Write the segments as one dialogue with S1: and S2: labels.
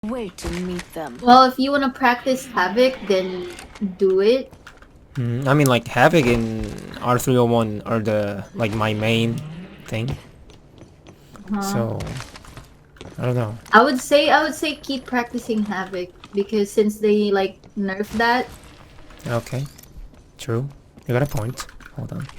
S1: Wait to meet them.
S2: Well, if you want to practice Havoc, then do it.
S3: I mean, like Havoc and R301 are the like my main thing. So I don't know.
S2: I would say keep practicing Havoc because since they like nerfed that.
S3: Okay, true. You got a point. Hold on.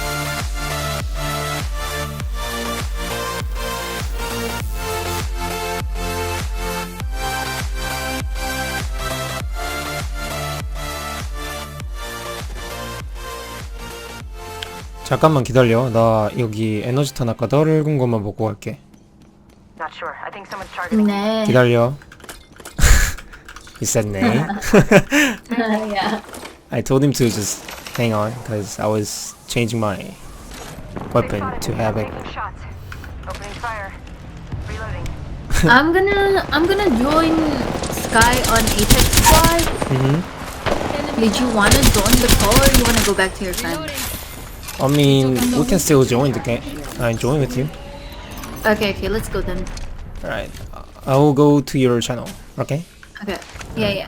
S3: 잠깐만 기다려. 나 여기 에너지탄 아까 떨군 것만 먹고 갈게.
S4: Not sure. I think someone's targeting.
S2: Nah.
S3: 기다려. He said nay.
S2: Yeah.
S3: I told him to just hang on because I was changing my weapon to Havoc.
S4: Taking shots. Opening fire. Reloading.
S2: I'm gonna join Sky on Apex Squad. Did you wanna join the call or you wanna go back to your friend?
S3: I mean, we can still join the game. I join with you.
S2: Okay, let's go then.
S3: Alright. I will go to your channel. Okay?
S2: Okay. Yeah.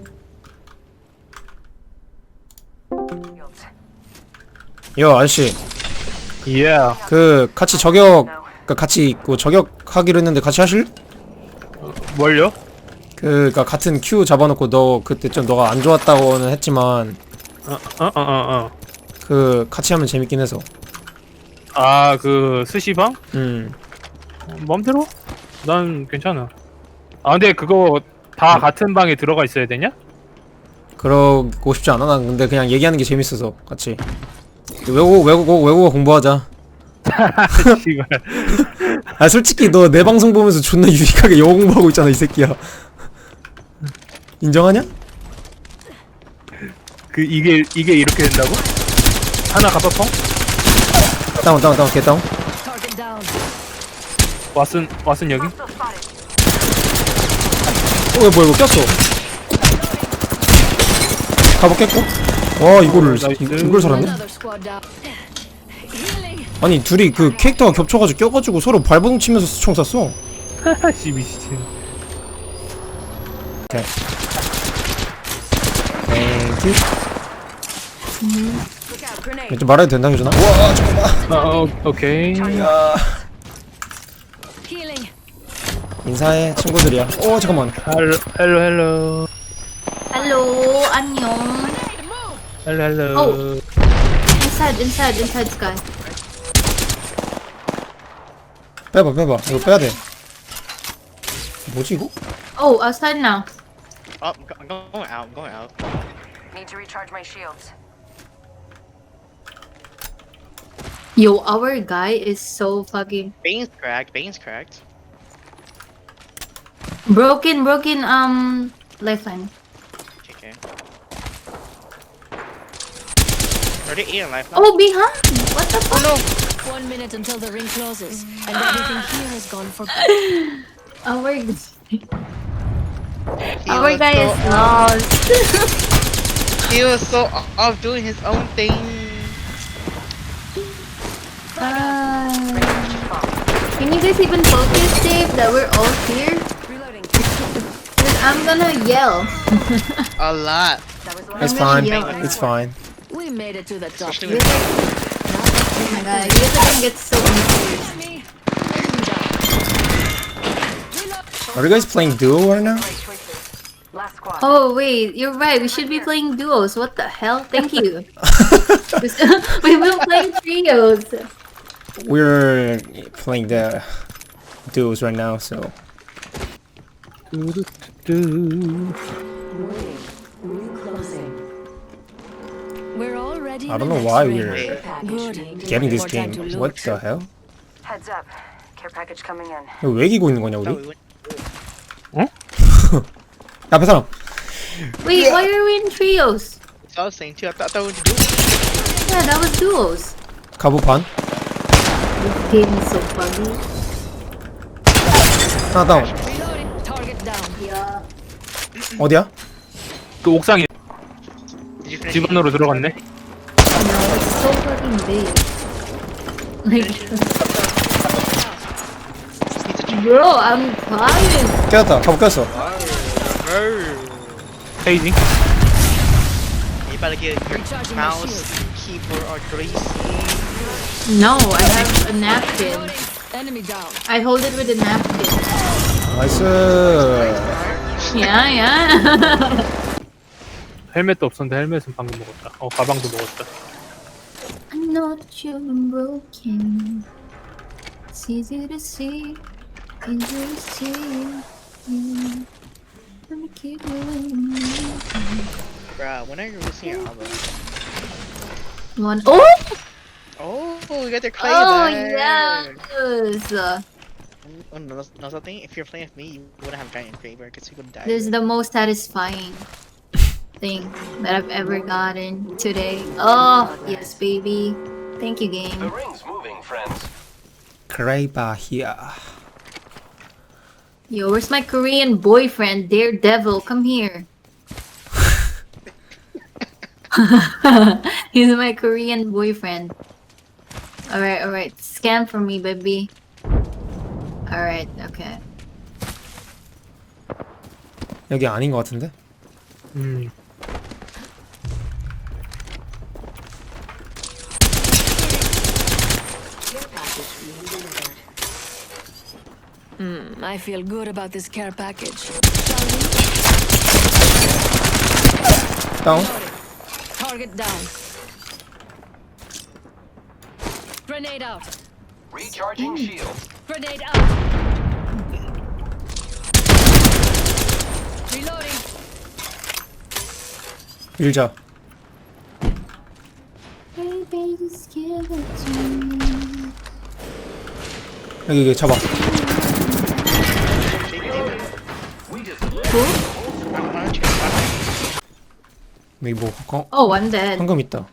S3: 요 아저씨.
S5: Yeah.
S3: 그 같이 저격 같이 그 저격하기로 했는데 같이 하실?
S5: 뭘요?
S3: 그니까 같은 큐 잡아놓고 너 그때 좀 너가 안 좋았다고는 했지만 그 같이 하면 재밌긴 해서.
S5: 아, 그 스시방?
S3: 맘대로?
S5: 난 괜찮아. 아, 근데 그거 다 같은 방에 들어가 있어야 되냐?
S3: 그러고 싶지 않아. 난 근데 그냥 얘기하는 게 재밌어서 같이 외국어 공부하자.
S5: 씨발.
S3: 아 솔직히 너 내 방송 보면서 존나 유익하게 영어 공부하고 있잖아 이 새끼야. 인정하냐?
S5: 그 이게 이렇게 된다고? 하나 가파펑?
S3: 다운 개 다운.
S1: Target down.
S5: 왓슨 여기?
S4: Hostile spotted.
S3: 뭐야 이거 꼈어. 갑옷 깼고. 와 이거를
S5: 나이스.
S3: 이걸 살았네.
S1: Another squad down. Healing.
S3: 아니 둘이 그 캐릭터가 겹쳐가지고 껴가지고 서로 발버둥 치면서 총 쐈어.
S5: 하하씨 미친.
S3: 오케이. 땡큐.
S1: Look out, grenade.
S3: 좀 말해도 된다 효준아? 와 잠깐만.
S5: 오케이.
S3: 야
S1: Healing.
S3: 인사해 친구들이야. 오 잠깐만.
S5: 헬로.
S2: Hello, 안녕.
S5: 헬로.
S2: Oh. Inside Sky.
S3: 빼봐 이거 빼야 돼. 뭐지 이거?
S2: Oh, outside now.
S6: Oh, I'm going out.
S4: Need to recharge my shields.
S2: Yo, our guy is so fucking
S6: Bane's cracked.
S2: broken. Lifeline.
S6: Okay. Already 8 on life now.
S2: Oh, behind. What the fuck?
S1: 1 minute until the ring closes, and everything here has gone for good.
S2: Our
S6: was
S2: guy
S6: so
S2: is lost.
S6: He was so off doing his own thing.
S2: Can you guys even focus, Dave, that we're all here?
S4: Reloading.
S2: Because I'm gonna yell.
S6: A lot.
S4: That was one.
S3: It's
S2: I'm gonna
S3: fine.
S2: yell.
S3: It's fine.
S1: We made it to the top.
S6: Especially
S2: You
S6: with
S2: guys- Oh my god, you guys are gonna get so confused.
S1: Enemy.
S3: Are you guys playing duo right now?
S4: Right choices. Last squad.
S2: Oh wait, you're right. We should be playing duos. What the hell? Thank you. We've been playing trios.
S3: We're playing the duos right now, so
S1: We're already.
S3: I don't
S1: in the
S3: know why
S1: next
S3: we're
S1: ring. Good.
S3: getting this
S1: More
S3: game.
S1: time to
S3: What
S1: loot.
S3: the hell?
S4: Heads up. Care package coming in.
S3: 이거 왜 이기고 있는 거냐
S6: that we
S3: 우리?
S6: went.
S3: 앞에 사람.
S2: Wait, why are we in trios?
S6: So I was saying too. I thought we were doing.
S2: Yeah, that was duos.
S3: 갑옷 반.
S2: This game is so funny.
S3: 하나 다운.
S1: Reloading. Target down.
S2: Yeah.
S3: 어디야?
S5: 그 옥상에
S6: Did you finish?
S5: 집 안으로 들어갔네.
S2: No, it's so fucking big. Like, bro, I'm tired.
S3: 깼다. 갑옷 깼어.
S5: 페이징.
S6: You better get your
S1: Recharging my
S6: mouse, keyboard, or greasy.
S2: No, I have a napkin.
S1: Enemy down.
S2: I hold it with a napkin.
S3: 나이스.
S2: Yeah, yeah.
S5: 헬멧도 없었는데 헬멧은 방금 먹었다. 가방도 먹었다.
S2: I know that you've been broken. It's easy to see. Easy to see. Yeah. Let me keep moving.
S6: Bruh, when are you releasing your album?
S2: One. Oh!
S6: Oh, you got your clay
S2: Oh,
S6: there.
S2: yes!
S6: Oh, no, something? If you're playing with me, you wouldn't have giant favor because you would die.
S2: This is the most satisfying thing that I've ever gotten today. Oh, yes, baby. Thank you, game.
S7: ring's moving, friends.
S3: 그레이바 here.
S2: Yo, where's my Korean boyfriend, Daredevil? Come here. He's my Korean boyfriend. Alright. Scan for me, baby. Alright, okay.
S3: 여기 아닌 것 같은데?
S1: I feel good about this care package.
S3: 다운.
S1: Target down. Grenade out.
S7: Recharging shield.
S1: Grenade out. Reloading.
S3: 밀자.
S2: Baby, just give it to me.
S3: 여기 잡아. 여기 뭐
S2: Oh, I'm dead.
S3: 황금 있다.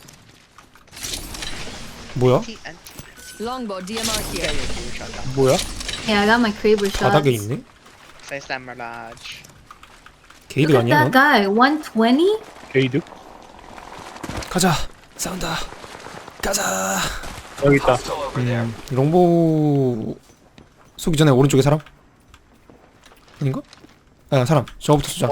S3: 뭐야?
S1: Longbow DMR here.
S3: 뭐야?
S2: Yeah, I got my Kraber shots.
S3: 바닥에 있네?
S6: Size that Mirage.
S3: 게이드
S2: Look at
S3: 아니야
S2: that
S3: 넌?
S2: guy. 120?
S5: 게이드?
S3: 가자. 싸운다. 가자.
S5: 여기 있다.
S7: Still over there.
S3: 롱보 쏘기 전에 오른쪽에 사람? 아닌가? 아 사람. 저거부터 쏘자.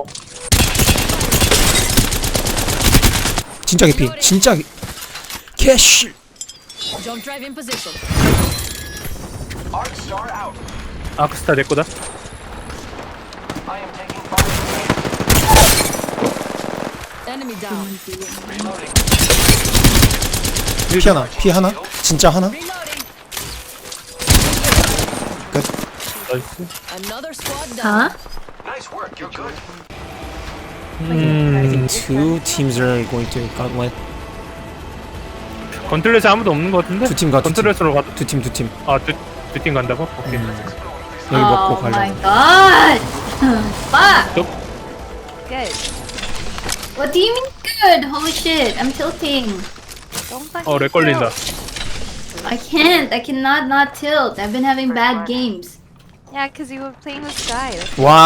S3: 진짜 개피. 진짜 캐쉬.
S1: Jump drive in position.
S7: Arc star out.
S5: 아크스타 내 거다.
S7: I am taking fire.
S1: Enemy down.
S7: Reloading.
S3: 피 하나. 피 하나? 진짜 하나?
S1: Reloading.
S3: 끝.
S5: 나이스.
S1: Another squad down.
S2: Huh?
S7: Nice work. You're good.
S3: I think two teams are going to gauntlet.
S5: 건틀렛에 아무도 없는 것 같은데?
S3: 두 팀 가.
S5: 건틀렛으로 가.
S3: 두 팀.
S5: 두 팀 간다고? 오케이.
S3: 여기 먹고
S2: Oh my
S3: 가려고.
S2: god! Fuck!
S5: 또?
S8: Good.
S2: What do you mean good? Holy shit, I'm tilting.
S8: Don't fucking
S5: 렉 걸린다.
S2: I cannot not tilt. I've been having bad games.
S8: Yeah, because you were playing with Sky.
S3: 와.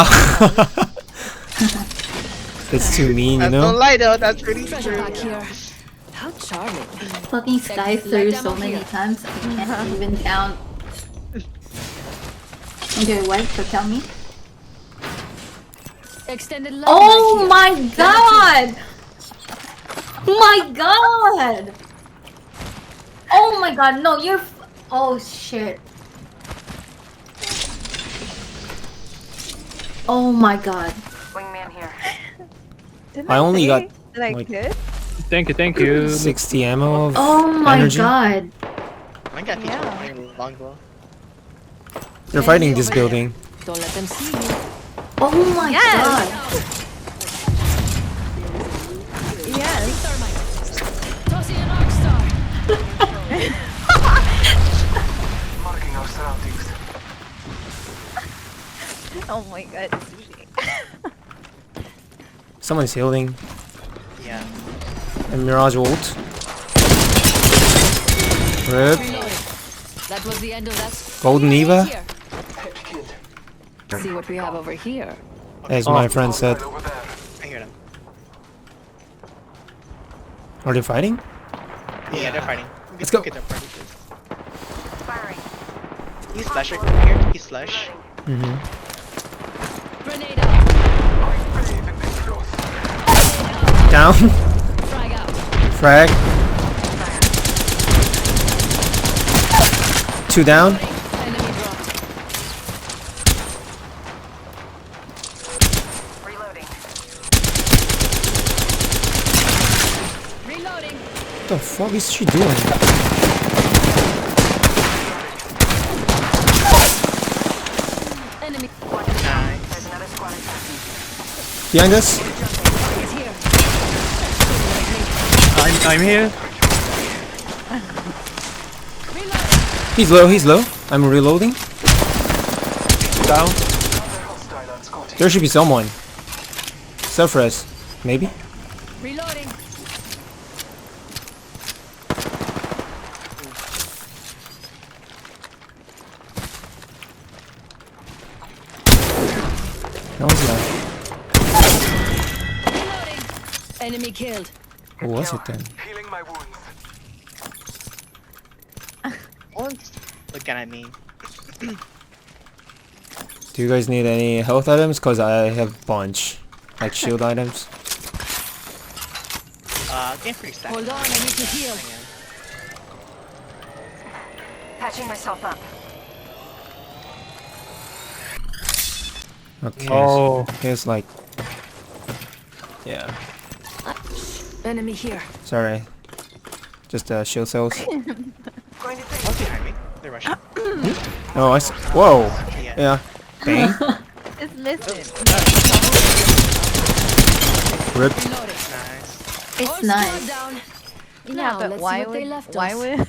S3: That's too mean, you
S6: That's no
S3: know?
S6: lie though, that's pretty
S1: Treasure
S6: true.
S1: pack here. How charming.
S2: Fucking Sky through so
S1: down
S2: many
S1: here.
S2: times I can't even count. Okay, what? So tell me.
S1: Extended light
S2: Oh
S1: here.
S2: my god! My god! Oh my god, no, you're. Oh shit. Oh my god.
S4: Wingman here.
S8: Didn't
S3: I only
S8: say
S3: got,
S8: that I
S3: like-
S8: could?
S5: 땡큐.
S3: 60 ammo of
S2: Oh my
S3: energy.
S2: god.
S6: I got
S8: Yeah.
S6: my longbow.
S3: They're fighting this building.
S1: Don't let them see you.
S2: Oh my
S8: Yes.
S2: god.
S8: Yes.
S1: Tossing an arc star.
S7: Marking our surroundings.
S8: Oh my god, sushi.
S3: Someone's healing.
S6: Yeah.
S3: And Mirage ult. Rip.
S1: That was the end of that.
S3: Golden Eva,
S1: Here. See what we have over here.
S3: as my friend said.
S7: Right over there.
S6: I hear them.
S3: Are they fighting?
S6: Yeah, they're fighting.
S3: Let's go.
S6: Get their party first.
S4: Firing.
S6: He's slasher here. He's slash.
S3: Mm-hmm.
S1: Grenade out.
S3: down.
S1: Frag out.
S3: Frag. 2 down.
S1: Enemy dropped.
S4: Reloading.
S1: Reloading.
S3: What the fuck is she doing?
S1: Enemy
S6: Nice.
S4: There's another squad attacking.
S3: Behind us?
S1: is here.
S5: I'm here.
S1: Reloading.
S3: He's low. I'm reloading.
S5: Down.
S7: Another hostile on Scotty.
S3: There should be someone. Self-res. Maybe?
S1: Reloading.
S3: No, he's not.
S1: Reloading. Enemy killed.
S3: Who was it then?
S7: Healing my wounds.
S6: One's looking at me.
S3: Do you guys need any health items? Cause I have a bunch. Like shield items.
S6: Game free stack.
S1: Hold on, I need to heal.
S4: Patching myself up.
S3: Okay.
S5: Oh.
S3: So here's like. Yeah.
S1: Enemy here.
S3: Sorry. Just shield cells.
S4: Going to take.
S6: One's behind me. They're rushing.
S3: Oh, I see. Whoa.
S6: Yeah.
S3: Yeah. Bang.
S8: It's missing.
S3: Rip.
S1: Reloading.
S6: Nice.
S2: It's
S1: All
S2: nice.
S1: squad down.
S8: Yeah,
S1: Now,
S8: but
S1: let's see
S8: why
S1: what they
S8: would
S1: left
S8: why
S1: us.
S8: would